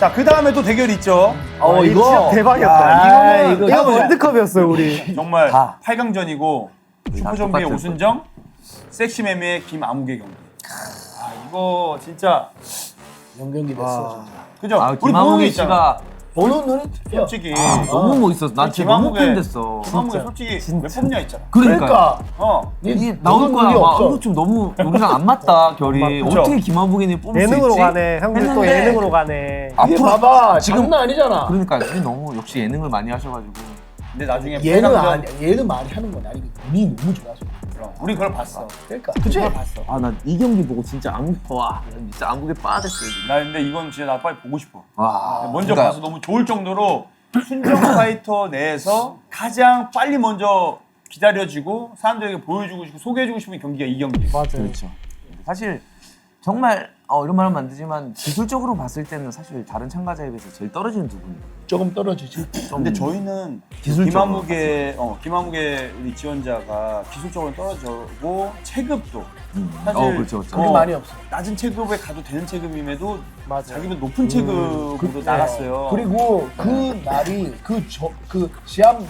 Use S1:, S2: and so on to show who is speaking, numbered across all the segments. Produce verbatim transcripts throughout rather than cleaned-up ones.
S1: 자, 그 다음에 또 대결이 있죠.
S2: 어,
S3: 와,
S2: 이거
S3: 진짜 대박이었다.
S1: 야,
S3: 이거는
S1: 이거
S3: 이거
S1: 해보자.
S3: 월드컵이었어요 우리.
S1: 정말
S2: 다.
S1: 팔 강전이고 슈퍼좀비의
S2: 똑같았어.
S1: 오순정, 섹시매미의 김아무개 경기. 아, 이거 진짜
S4: 연경기 됐어. 진짜.
S1: 그죠?
S2: 아,
S1: 우리 보는 게
S2: 김하무개
S1: 있잖아.
S2: 씨가
S4: 보는 눈이 틀려.
S1: 솔직히
S2: 아, 너무 멋있었어. 난 진짜 너무 팬됐어.
S1: 김아무개 솔직히
S3: 진짜.
S1: 몇 뽑냐 있잖아.
S2: 그러니까.
S4: 그러니까
S1: 어.
S2: 이게 나올 거야. 막 이거 좀 너무 여기랑 안 맞다 결이.
S1: 그쵸?
S2: 어떻게 김하무개님 뽑을 수 있지?
S3: 예능으로 가네. 형들 또
S2: 했는데
S3: 예능으로 가네.
S4: 이게
S2: 앞으로
S4: 봐봐
S2: 지금-
S4: 장난 아니잖아.
S2: 그러니까 이게 너무 역시 예능을 많이 하셔가지고.
S1: 근데 나중에
S4: 얘는
S1: 팔 강전
S4: 아니야. 얘는 말이 하는 건 아니고 운이 너무 좋아서.
S1: 그럼 우리 그걸 봤어.
S4: 그러니까 그치?
S1: 그걸 봤어.
S2: 아 나 이 경기 보고 진짜 안와 진짜 안국에 빠졌어요. 지금.
S1: 나 근데 이건 진짜 나 빨리 보고 싶어.
S2: 와.
S1: 먼저
S2: 그러니까
S1: 봐서 너무 좋을 정도로 순정 파이터 내에서 가장 빨리 먼저 기다려지고 사람들에게 보여주고 싶고 소개해주고 싶은 경기가 이 경기.
S3: 맞아요.
S2: 그렇죠. 사실 정말 어, 이런 말하면 안 되지만 기술적으로 봤을 때는 사실 다른 참가자에 비해서 제일 떨어지는 두 분.
S4: 조금 떨어지지.
S1: 근데 저희는
S2: 기술적으로
S1: 김아무개 어 김아무개 우리 지원자가 기술적으로 떨어지고 체급도
S2: 음.
S1: 사실
S2: 어, 그렇죠, 그렇죠.
S4: 그게
S1: 어,
S4: 많이 없어.
S1: 낮은 체급에 가도 되는 체급임에도
S3: 맞아요.
S1: 자기는 높은 체급으로
S4: 그-
S1: 나갔어요.
S4: 그리고 그 날이 그 저 그 시합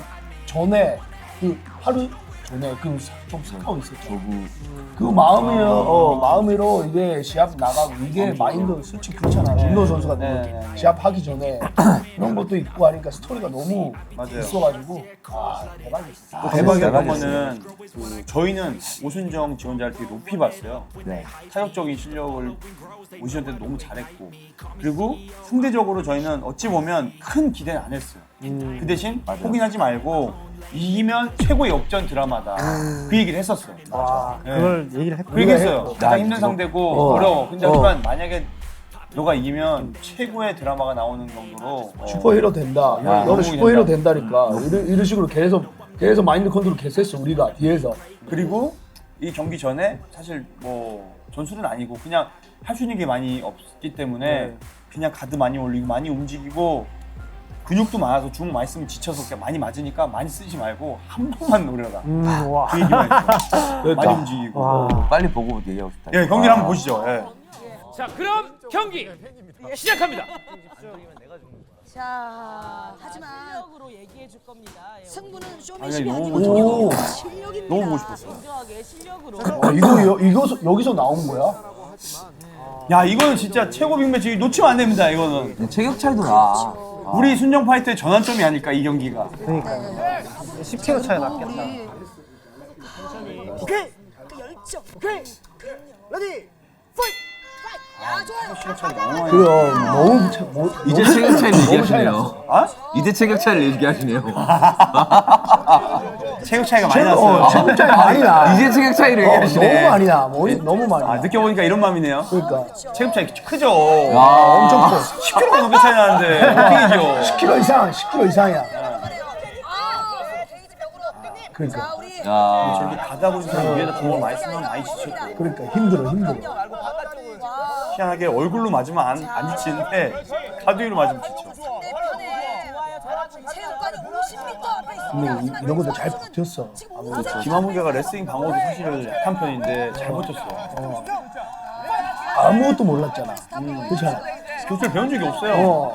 S4: 전에 그 하루 전에 그좀 사고 있었죠.
S2: 저구.
S4: 그 마음이요, 어, 마음으로 이게 시합 나가고 이게 마인드 솔직히 그렇잖아. 김도 선수가
S1: 네,
S4: 뭐
S1: 네, 네.
S4: 시합 하기 전에 그런 것도 있고 하니까 스토리가 너무
S1: 맞아요.
S4: 있어가지고 아 대박이었어.
S1: 또 대박이었던
S2: 대박이었어요.
S1: 거는 그 저희는 오순정 지원자를 되게 높이 봤어요.
S2: 네.
S1: 타격적인 실력을 오시전 때도 너무 잘했고 그리고 상대적으로 저희는 어찌 보면 큰 기대는 안 했어요. 그 대신
S2: 맞아요.
S1: 포기하지 말고 이기면 최고의 역전 드라마다 그 얘기를 했었어요.
S3: 와,
S1: 네.
S3: 그걸 얘기를 했고.
S1: 그 얘기 했어요. 가장
S2: 야,
S1: 힘든
S2: 이거-
S1: 상대고
S4: 어.
S1: 어. 려워 근데
S4: 어.
S1: 하지만 만약에 너가 이기면 최고의 드라마가 나오는 정도로 어,
S4: 슈퍼히로 된다.
S1: 야,
S4: 너는
S1: 너무
S4: 슈퍼히로
S1: 된다.
S4: 된다니까. 이런, 이런 식으로 계속 계속 마인드 컨트롤 계속 했어 우리가 뒤에서.
S1: 그리고 이 경기 전에 사실 뭐 전술은 아니고 그냥 할 수 있는 게 많이 없기 때문에
S3: 네.
S1: 그냥 가드 많이 올리고 많이 움직이고 근육도 많아서 주먹 많이 쓰면 지쳐서 그냥 많이 맞으니까 많이 쓰지 말고 한 번만 노려라.
S3: 음, 와.
S1: 그 얘기만 했어요.
S4: 그러니까.
S1: 많이 움직이고.
S3: 와.
S2: 빨리 보고 얘기하고 싶다.
S1: 예, 경기를 한번 보시죠. 예.
S5: 자, 그럼 경기 시작합니다.
S6: 자, 하지만
S7: 실력으로 얘기해 줄 겁니다. 예,
S6: 승부는
S1: 아니,
S6: 쇼맨십이
S1: 너무
S6: 아니고
S4: 오.
S6: 실력입니다.
S1: 너무 보고 싶었어.
S7: 공정하게 실력으로.
S4: 아, 이거 여, 이거 여기서 나온 거야?
S1: 야, 이거는 진짜 최고 빅매치 놓치면 안 됩니다. 이거는
S2: 근데 체격 차이도 나.
S1: 우리 순정 파이터의 전환점이 아닐까 이 경기가.
S3: 그러니까 십 킬로그램 차이 났겠다.
S6: 오케이. 그 열정. 오케이. 레디. 파이트. 야, 좋아요.
S4: 그럼 너무 차, 뭐,
S2: 이제
S4: 너무-
S2: 체격 차이를
S4: 너무 차이
S2: 얘기하시네요.
S4: 났어.
S1: 아?
S2: 이제 체격 차이를 얘기하시네요.
S1: 체격 차이가 많이
S4: 체격-
S1: 났어요.
S4: 어, 체격 차이 많이 나.
S2: 이제 체격 차이를
S4: 어,
S2: 얘기하시네.
S4: 너무 많이 나. 머리 너무 많이 나.
S1: 아, 느껴보니까 이런 마음이네요.
S4: 그러니까
S1: 체급 차이 크죠.
S2: 아,
S4: 엄청 커.
S1: 십 킬로그램가 넘게 차이 나는데 어떻게 이겨?
S4: 십 킬로그램 이상, 십 킬로그램 이상이야.
S6: 아, 게이지 벽으로.
S4: 그러니까.
S6: 자, 우리
S2: 야.
S1: 저렇게 가다 보니까 위에다 주먹을 많이 쓰면 많이 지쳤고
S4: 그러니까 힘들어, 힘들어.
S1: 희한하게 얼굴로 맞으면 안, 안 지치는데 가드 위로 맞으면 지쳐.
S6: 상대편에 체육관이 오십 미터 앞에 있습니다.
S4: 근데 이-
S6: 하지만
S4: 이런 것도
S6: 이
S4: 잘
S6: 선수는
S4: 버텼어.
S6: 지금 우승을
S1: 김하무개가 레슬링 방어도 사실 약한 편인데 잘 버텼어.
S4: 아무것도 몰랐잖아. 그렇잖아.
S1: 교수를 배운 적이 없어요.
S4: 어.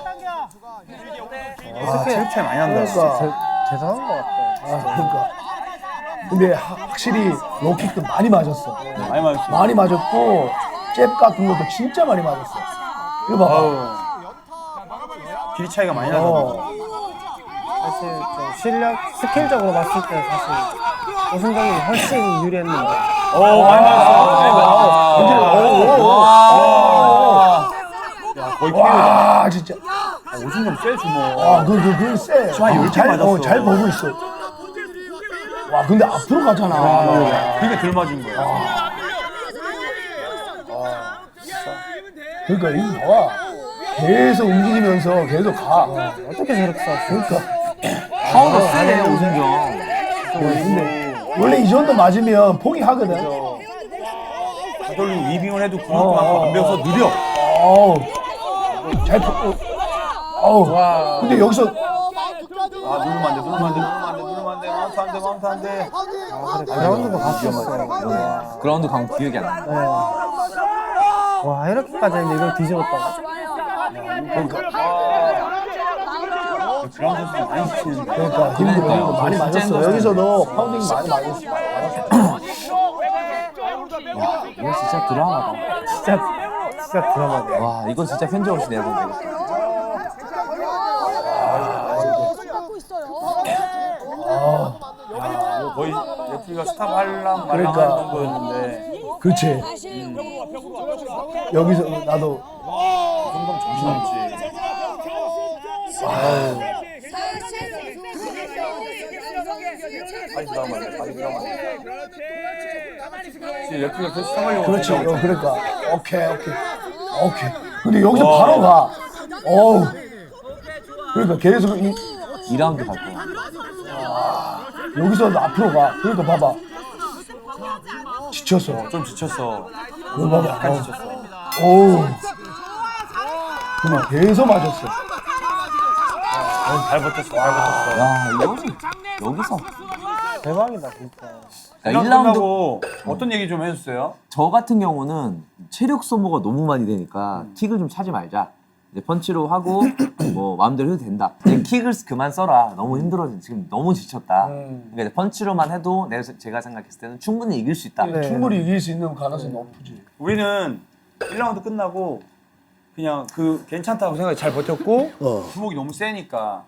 S1: 아, 체급 차이 많이 난다.
S4: 그러니까.
S3: 대- 대단한 것 같다.
S4: 아, 그러니까. 근데 하- 확실히 로킥도 많이 맞았어.
S1: 많이 맞았어.
S4: 많이 맞았고 잽 같은 것도 진짜 많이 맞았어. 이거 봐봐.
S1: 아우. 길이 차이가 많이 나던데.
S4: 어.
S3: 사실 좀 실력, 스킬적으로 봤을 때 사실 오승정이 훨씬 유리했는데.
S1: 오, 많이 맞았어. 야, 거의 피해자.
S4: 와 진짜.
S1: 오순정 쎄 주먹.
S4: 와 그 그 그 쎄.
S1: 한 열 개
S4: 잘,
S1: 맞았어.
S4: 어, 잘 보고 있어. 와 근데 앞으로 가잖아.
S1: 그게 덜 맞은 거야.
S4: 그러니까 이거 봐봐. 계속 움직이면서 계속 가.
S3: 어떻게 저렇게 쐈어?
S4: 그러니까.
S2: 파워가 세네 오승정.
S4: 어, 근데 원래 이 정도 맞으면 포기하거든.
S1: 가돌리고 위빙을 해도 근육도 많고 안 배워서 느려.
S4: 어우. 잘 보. 어. 어우. 근데 여기서
S1: 아, 누르면 안 돼, 누르면 안 돼, 누르면 안 돼, 누르면 안 돼, 마운트 안 돼, 마운트 안 돼.
S3: 라운드도 갔었어요.
S2: 그라운드 강 기억이 안 나.
S3: 와, 이렇게까지 했는데 이걸 뒤집었다고.
S6: 좋아요.
S1: 그런 선수 많이 지치는데.
S4: 그러니까 힘들어.
S2: 그러니까요.
S4: 많이
S2: 진짜
S4: 맞았어.
S2: 힘들었어요.
S4: 여기서도 파운딩 많이 맞았어.
S2: 이거 진짜 드라마다.
S3: 진짜 진짜 드라마네.
S2: 와, 이건 진짜 팬 좋으시 내보네.
S6: 받고 있어요.
S1: 이거 거의 레프리가 스탑 할랑 말랑
S4: 그러니까.
S1: 하는 정도였는데.
S4: 그렇지. 여기서 나도
S1: 정동 정신없지. 빨리 들어가면 돼. 빨리 들어가면 돼. 지금 레프리가 계속 스탑하려고.
S4: 그렇지.
S1: 하고
S4: 어,
S1: 있잖아.
S4: 그러니까 오케이 오케이 오케이. 근데 여기서
S1: 와.
S4: 바로 가. 어우. 그러니까 계속 이,
S2: 이 라운드 갈 거야.
S4: 여기서 앞으로 가. 그러니까 봐봐. 지쳤어.
S1: 좀 지쳤어.
S4: 이거 봐봐.
S1: 약간
S4: 어.
S1: 지쳤어.
S4: 어우. 그냥 계속 맞았어.
S1: 잘 버텼어. 잘 버텼어.
S2: 야, 이거는 여기서.
S3: 대박이다 진짜.
S2: 그러니까 일
S1: 일
S2: 라운드
S1: 라운드 어떤 얘기 좀 해주세요.
S2: 저 같은 경우는 체력 소모가 너무 많이 되니까 킥을 좀 차지 말자. 이제 펀치로 하고 뭐 마음대로 해도 된다. 이제 킥을 그만 써라. 너무 힘들어. 지금 너무 지쳤다. 그러니까 이제 펀치로만 해도 내가 제가 생각했을 때는 충분히 이길 수 있다.
S3: 네.
S4: 충분히 이길 수 있는 가능성이 높지.
S1: 우리는 일 라운드 끝나고 그냥 그 괜찮다고 생각해 잘 버텼고
S4: 어.
S1: 주먹이 너무 세니까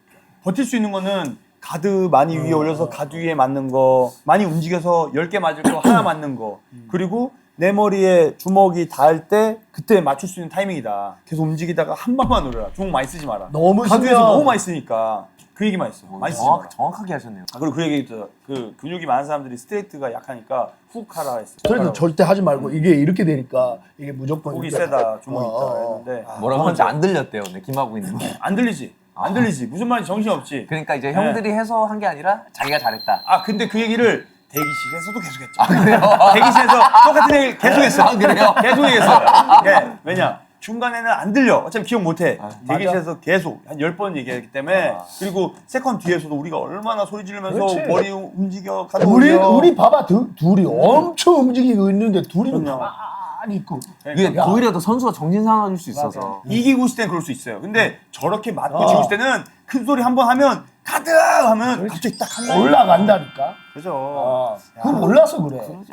S1: 버틸 수 있는 거는 가드 많이 위에 올려서 가드 위에 맞는 거 많이 움직여서 열 개 맞을 거 하나 맞는 거 그리고 내 머리에 주먹이 닿을 때 그때 맞출 수 있는 타이밍이다. 계속 움직이다가 한 방만 노려라. 주먹 많이 쓰지 마라.
S4: 너무
S1: 가드 위에서
S4: 쓰면-
S1: 너무 많이 쓰니까 그 얘기만 했어. 많이 쓰지 마라.
S2: 정확, 정확하게 하셨네요.
S1: 아, 그리고 그 얘기 있죠. 그 근육이 많은 사람들이 스트레이트가 약하니까 훅 하라 했어.
S4: 그래도 절대 하지 말고 이게 이렇게 되니까 이게 무조건
S1: 훅이
S4: 이렇게-
S1: 세다 주먹이
S4: 어,
S1: 있다
S4: 어,
S1: 했는데
S2: 뭐라고 하는지 안 들렸대요. 네, 김하고 있는 거.
S1: 안 들리지. 안 들리지. 무슨 말인지 정신없지.
S2: 그러니까 이제
S1: 네.
S2: 형들이 해서 한 게 아니라 자기가 잘했다.
S1: 아 근데 그 얘기를 대기실에서도 계속했죠. 아 그래요? 대기실에서 똑같은 얘기를 계속했어.
S2: 아, 그래요?
S1: 계속 얘기했어. 예. 왜냐? 중간에는 안 들려. 어차피 기억 못해. 대기실에서 계속 한 열 번 얘기했기 때문에 그리고 세컨 뒤에서도 우리가 얼마나 소리 지르면서
S4: 그렇지.
S1: 머리 움직여 가도
S4: 우리
S1: 올려.
S4: 우리 봐봐 두, 둘이 엄청 움직이고 있는데 둘이
S1: 그럼요.
S4: 가만히 있고.
S2: 이게
S4: 야.
S2: 오히려 더 선수가 정신 상해질 수 있어서.
S1: 이기고 있을 땐 그럴 수 있어요. 근데 저렇게 맞고
S4: 어.
S1: 지고 있을 때는 큰 소리 한 번 하면 가드 하면 갑자기 딱 한다.
S4: 올라간다니까.
S1: 그죠.
S4: 어. 그건 몰라서 그래.
S2: 그러지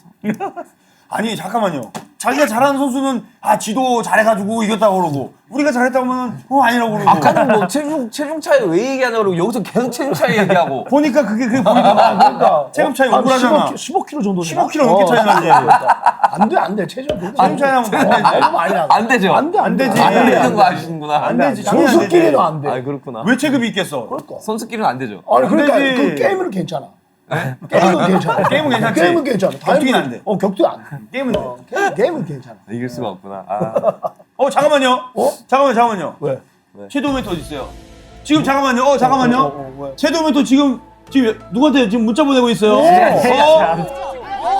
S2: 않다.
S1: 아니 잠깐만요. 자기가 잘하는 선수는 아 지도 잘해가지고 이겼다고 그러고 우리가 잘했다고 하면 어 아니라고 그러고
S2: 아까는 뭐 체중 체중 차이 왜 얘기하냐고 그러고 여기서 계속 체중 차이 얘기하고.
S1: 보니까 그게 그게 보이더라.
S4: 그러니까
S1: 체급 차이
S4: 한
S1: 억울하잖아.
S4: 십오 킬로그램 정도 되나?
S1: 십오 킬로그램 넘게 차이 나지.
S4: 안돼 안돼 체중
S1: 체중 차이 나면 안 되지.
S4: 너무 많이 나.
S2: 안 되죠?
S4: 안돼
S1: 안 되지.
S2: 안
S1: 안
S2: 되는 거
S1: 돼.
S2: 아시는구나.
S1: 안 되지. 당연히 안
S4: 선수끼리도
S1: 되지.
S4: 안 돼.
S2: 아 그렇구나.
S1: 왜 체급이 있겠어?
S4: 그러니까.
S2: 선수끼리는 안 되죠.
S4: 아니 그러니까
S1: 되지.
S4: 그 게임은 괜찮아. 게임은 괜찮아.
S1: 게임은 괜찮지.
S4: 게임은 괜찮아.
S1: 격투기는 안 돼.
S4: 어 격투 안 돼.
S1: 게임은 돼.
S4: 어, 게임, 게임은 괜찮아.
S2: 이길 수가 없구나. 아.
S1: 어 잠깐만요.
S4: 어?
S1: 잠깐만요. 잠깐만요.
S4: 왜?
S1: 섀도우 멘토 어디 있어요? 지금 잠깐만요. 어 잠깐만요.
S4: 어, 어, 어, 왜?
S1: 섀도우 멘토 지금 지금 누구한테 지금 문자 보내고 있어요?
S4: 네.
S1: 어?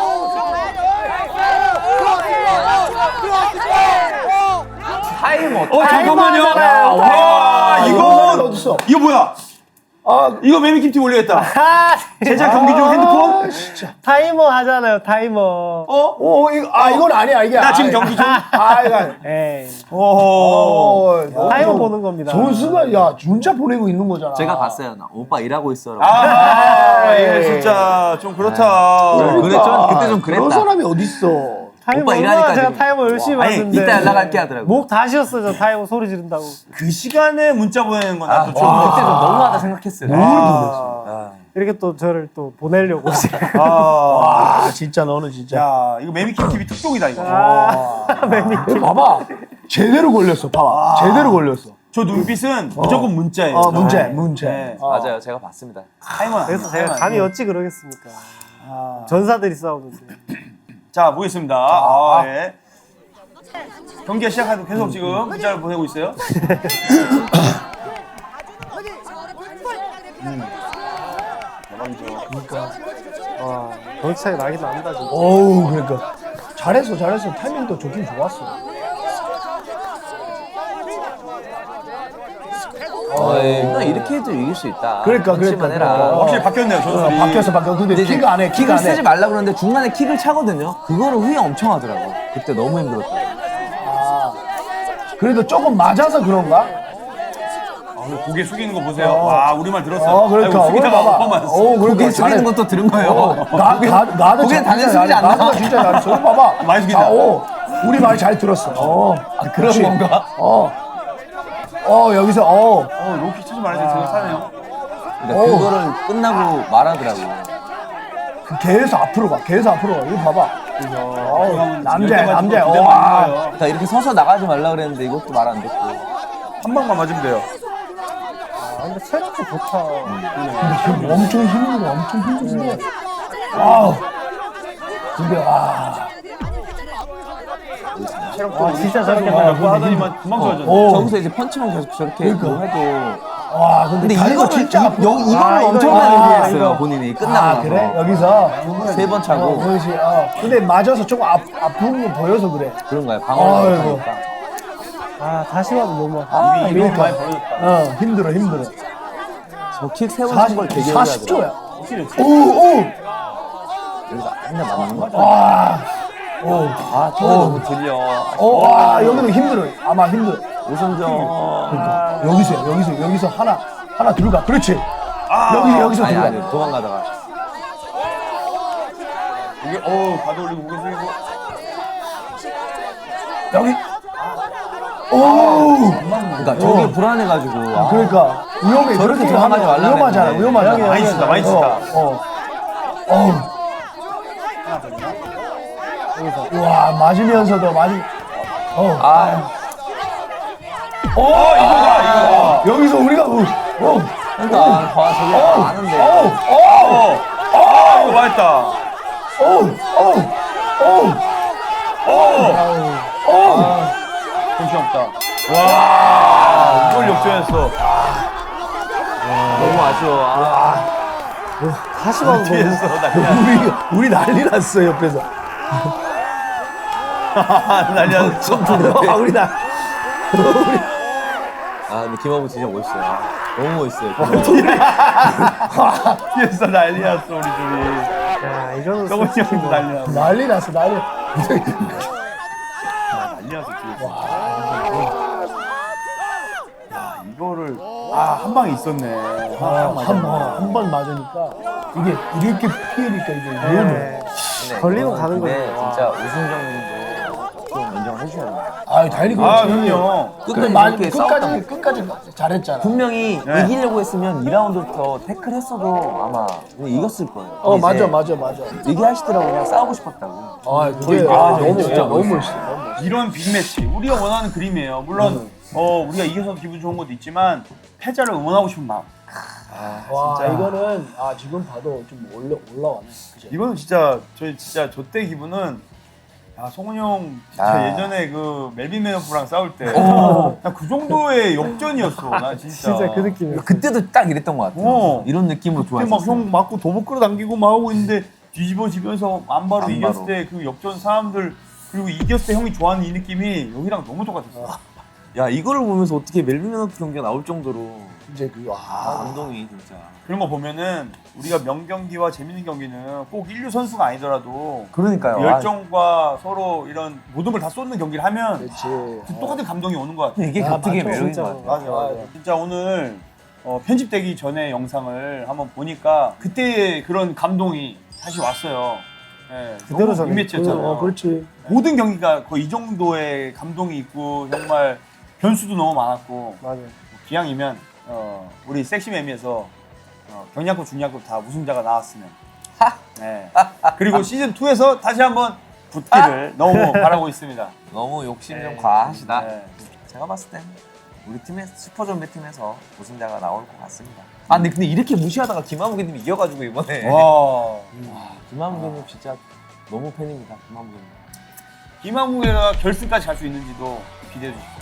S2: 타이머.
S1: 어 잠깐만요.
S3: 하잖아요.
S1: 와 이거
S4: 어딨어?
S1: 이거 뭐야?
S4: 아,
S1: 이거 매미킴팀 올리겠다.
S3: 아,
S1: 제작 경기 중 핸드폰?
S4: 아, 진짜.
S3: 타이머 하잖아요 타이머.
S1: 어?
S4: 오, 이거, 아, 이건 아니야, 이게.
S1: 나 지금
S4: 아이,
S1: 경기 중.
S4: 아, 이거. 아니-
S3: 에이.
S1: 오호.
S4: 어, 너무
S3: 타이머
S4: 좀-
S3: 보는 겁니다.
S4: 선수가, 야, 문자 보내고 있는 거잖아.
S2: 제가 봤어요. 나 오빠 일하고 있어라고.
S1: 아, 이거 진짜 좀 그렇다.
S2: 그래. 그랬죠? 그때 좀 그랬다.
S4: 그런 사람이 어딨어.
S3: 타이머
S2: 오빠
S3: 얼마나
S2: 일하니까
S3: 제가
S2: 지금.
S3: 타이머 열심히
S1: 아니,
S3: 봤는데
S2: 이따 연락할게 하더라고.
S3: 목 다 쉬었어 저 타이머 소리 지른다고.
S1: 그 시간에 문자 보내는 건
S2: 아,
S1: 나도
S2: 저
S1: 좀.
S2: 그때 좀 너무하다 생각했어요.
S3: 아, 이렇게 또 저를 또 보내려고.
S1: 아,
S4: 아, 진짜 너는 진짜.
S1: 야, 이거 매미킴 티비 특종이다 이거.
S3: 아, 매니.
S4: 이거 봐봐. 제대로 걸렸어, 봐봐. 제대로 걸렸어.
S1: 저 눈빛은 무조건 문자예요.
S4: 어, 문제,
S1: 네.
S4: 문제.
S1: 네.
S4: 어.
S2: 맞아요. 제가 봤습니다.
S1: 타이머.
S3: 그래서 제가 감히 어찌 그러겠습니까.
S1: 아.
S3: 전사들이 싸우는데.
S1: 자, 보겠습니다. 아, 예. 경기가 시작하도 계속 지금 문자를 보내고 있어요.
S3: 와, 덩치 차이 나긴 난다 진짜.
S4: 어우, 그러니까. 잘했어, 잘했어. 타이밍도 좋긴 좋았어.
S2: 어, 예. 나 이렇게 해도 이길 수 있다.
S4: 그러니까,
S2: 펀치만
S4: 그러니까,
S2: 해라.
S4: 그러니까.
S1: 확실히 바뀌었네요,
S4: 어,
S1: 전술이.
S4: 바뀌었어, 바뀌었어. 근데
S2: 근데 이제
S4: 킥 안 해, 킥
S2: 킥을
S4: 안 해.
S2: 쓰지 말라 그러는데 중간에 킥을 차거든요. 그거를 후회 엄청 하더라고. 그때 너무 힘들었다.
S4: 그래도 조금 맞아서 그런가?
S1: 아, 고개 숙이는 거 보세요. 와, 우리말 들었어요.
S4: 어, 그러니까.
S1: 아이고, 숙이다가
S4: 오늘 봐봐.
S1: 오빠 맞았어.
S4: 어, 그러니까
S2: 고개 숙이는
S4: 잘해.
S2: 것도 들은 거예요.
S4: 어, 나, 나, 나도
S2: 고개
S4: 진짜
S2: 당연히
S4: 잘해.
S2: 숙이지 않나?
S4: 나도 진짜 잘했어. 오늘 봐봐.
S1: 많이 숙인다.
S4: 아, 어, 우리 말 잘 들었어. 어,
S2: 그런
S4: 그렇지.
S2: 건가?
S4: 어, 어, 여기서, 어.
S1: 어, 로키 치지 말아야지. 제가 사네요.
S2: 그러니까
S4: 오.
S2: 그거를 끝나고 말하더라고.
S4: 그 계속 앞으로 가. 계속 앞으로 가. 이거 봐봐. 어, 남자야, 남자야.
S1: 어,
S4: 와.
S2: 그러니까 이렇게 서서 나가지 말라 그랬는데 이것도 말 안 듣고.
S1: 한 방만 맞으면 돼요.
S3: 아, 근데 체력도 좋다.
S4: 지금 엄청 힘들어. 엄청 힘든데. 와우. 근데, 와.
S3: 아, 진짜 저렇게
S1: 몇
S3: 하면
S1: 번 하더니만 금방 좋아졌네.
S4: 어.
S2: 저기서 이제 펀치만 계속 저렇게 뭐 해도.
S4: 와, 근데,
S2: 근데
S4: 다리가
S2: 이거를
S4: 진짜 아프다.
S2: 여, 이거를
S3: 아, 이거,
S2: 엄청나게
S3: 아,
S2: 후회했어요
S3: 이거.
S2: 본인이 끝나고
S4: 아,
S2: 나서.
S4: 그래? 여기서?
S2: 세 번 차고.
S4: 어, 그렇지. 어. 근데 맞아서 조금 아, 아픈 거 보여서 그래.
S2: 그런 거야. 방어를
S4: 아이고.
S2: 못하니까.
S3: 아, 다시 봐도 너무.
S2: 아,
S1: 이미
S2: 이거
S1: 많이 벌어졌다.
S4: 어, 힘들어, 힘들어.
S2: 저킥 세 번 찬 걸 되게
S4: 사십
S2: 후회하더라.
S4: 조야. 오, 오.
S2: 여기서 맨날 맞는 거야.
S4: 와. 오.
S2: 아, 저게 너무 들려.
S4: 오, 와, 여기는 힘들어. 아마 힘들어.
S2: 오승정.
S4: 그러니까. 여기서, 여기서, 여기서 하나, 하나 들어가. 그렇지. 여기, 여기서
S2: 아니,
S4: 들어가.
S2: 아니, 도망가다가.
S1: 고개, 어, 가도 올리고 고개 숙이고.
S4: 여기. 오.
S2: 그러니까 저게 불안해가지고. 아,
S4: 그러니까 위험해.
S2: 저렇게
S4: 그렇게
S2: 도망가지
S4: 하면
S2: 말라
S4: 위험하잖아.
S2: 그랬는데.
S4: 위험하잖아.
S1: 많이 치다, 많이 치다.
S4: 어. 어. 어. 와, 맞으면서도 맞으. 어.
S2: 아,
S4: 어, 이거다, 이거. 여기서 우리가 어. 어.
S2: 그러니까 와, 저게
S4: 어.
S2: 아는데.
S4: 어. 어.
S1: 아, 이거 맛있다.
S4: 어. 어. 어. 어.
S1: 정신없다. 와, 이걸 역전했어.
S2: 너무 아쉬워. 아,
S3: 다시 봐도 너무.
S1: 뒤에서 난리
S4: 우리 우리 난리 났어 옆에서.
S1: 난리 났어.
S4: 아, 우리 나.
S2: 아, 근데 김하부 진짜 멋있어요. 너무 멋있어요.
S1: 뒤에서 난리 났어, 우리 둘이.
S3: 야, 이거는
S1: 저번이
S3: 솔직히
S1: 형도
S3: 뭐.
S1: 난리 났어.
S4: 난리 났어. 난리.
S1: 난리 났어, 뒤에서. 야, 이거를. 아, 한 방에 있었네.
S4: 한번한번 맞으니까 이게 이렇게 피해니까 이게 위험해.
S2: 근데
S3: 걸리고
S2: 이거는
S3: 가는
S2: 근데
S3: 거죠.
S2: 진짜 우승정님도 좀 인정을 해줘야 돼요.
S4: 아, 다행히
S1: 아,
S4: 그렇지.
S1: 그럼요.
S2: 끝까지
S4: 많이
S2: 이렇게 싸웠단
S4: 끝까지 끝까지 잘했잖아.
S2: 분명히
S1: 네.
S2: 이기려고 했으면 이 라운드부터 태클 했어도 아마 그냥 이겼을 거예요.
S4: 어,
S2: 근데
S4: 맞아,
S2: 이제
S4: 맞아, 맞아.
S2: 얘기하시더라고요. 그냥 싸우고 싶었다고.
S4: 아, 그게
S2: 아,
S4: 아, 너무
S2: 진짜
S4: 너무
S2: 멋있어.
S4: 멋있어. 너무 멋있어.
S1: 이런 빅매치 우리가 원하는 그림이에요. 물론 어 우리가 이겨서 기분 좋은 것도 있지만 패자를 응원하고 싶은 마음.
S4: 와,
S1: 진짜.
S4: 이거는 아 지금 봐도 좀 올라 올라왔네. 그죠?
S1: 이거는 진짜 저희 진짜 저 때 기분은 야 성훈이 형 진짜
S2: 아.
S1: 예전에 그 멜빈 매너프랑 싸울 때 나 그 정도의 역전이었어. 나 진짜.
S3: 진짜 그 느낌이야.
S2: 그때도 딱 이랬던 것 같아요.
S1: 어.
S2: 이런 느낌으로
S1: 그때
S2: 좋아했어요.
S1: 막형 맞고 도복 끌어당기고 막 하고 있는데 뒤집어지면서 안바로
S2: 안바로.
S1: 이겼을 때 그 역전 사람들 그리고 이겼을 때 형이 좋아하는 이 느낌이 여기랑 너무 똑같았어.
S2: 야, 이거를 보면서 어떻게 멜빈 매너프 경기가 나올 정도로
S4: 이제 그
S2: 아,
S4: 아,
S2: 감동이 진짜.
S1: 그런 거 보면은 우리가 명경기와 재밌는 경기는 꼭 인류 선수가 아니더라도
S2: 그러니까요.
S1: 열정과 서로 이런 모든 걸 다 쏟는 경기를 하면
S4: 그렇지.
S1: 그 똑같은 감동이 오는 것 같아.
S2: 이게
S4: 아,
S2: 격투기의
S4: 맞죠,
S2: 매력인
S3: 진짜.
S2: 것 같아요.
S1: 맞아, 맞아. 진짜 오늘 어, 편집되기 전에 영상을 한번 보니까 그때의 그런 감동이 다시 왔어요. 예,
S3: 그대로
S1: 너무
S3: 전해.
S1: 빅매치였잖아요.
S4: 어, 그렇지.
S1: 모든 경기가 거의 이 정도의 감동이 있고 정말 변수도 너무 많았고
S3: 맞아.
S1: 기왕이면 어, 우리 섹시매미에서 어, 경량급, 중량급 다 우승자가 나왔으면 네. 그리고 시즌 이에서 다시 한번 붙기를 너무 바라고 있습니다.
S2: 너무 욕심 좀
S1: 네.
S2: 과하시다.
S1: 네.
S2: 제가 봤을 땐 우리 팀의 슈퍼좀비 팀에서 우승자가 나올 것 같습니다. 아, 근데, 근데 이렇게 무시하다가 김하무기님이 이겨가지고 이번에.
S1: 와,
S2: 와, 김하무기님 진짜 너무 팬입니다. 김하무기님.
S1: 김한국이가 결승까지 갈 수 있는지도 기대해 주십시오.